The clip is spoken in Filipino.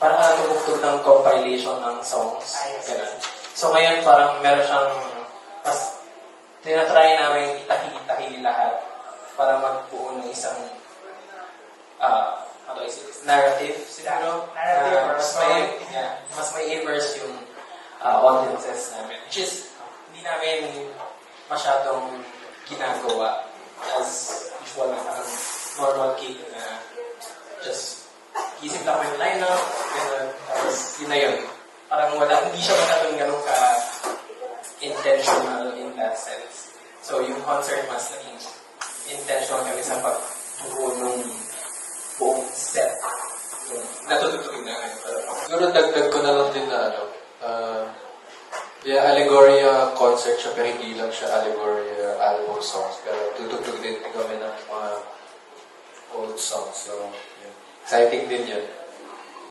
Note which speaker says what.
Speaker 1: parang tumugtog ng compilation ng songs. Ganun. So ngayon parang meron siyang mas tinatry namin itahili lahat para magbuo ng isang how do I say this? Narrative siguro. Mas may immerse yung audiences namin. Which is, hindi namin masyadong ginagawa as usual na parang normal gig na just isip lang mo yung lineup, gano'n, tapos yun na yun. Parang hindi siya masyadong ganun ka-intentional in that sense. So yung concert mas naging intentional kami sa pagbuo ng buong set. Natututugin na ngayon.
Speaker 2: Siguro dagdag ko na lang din na Allegoria concert siya, pero hindi lang siya Allegoria album songs. Pero tutugtog din kami ng mga old songs. So, exciting din yun.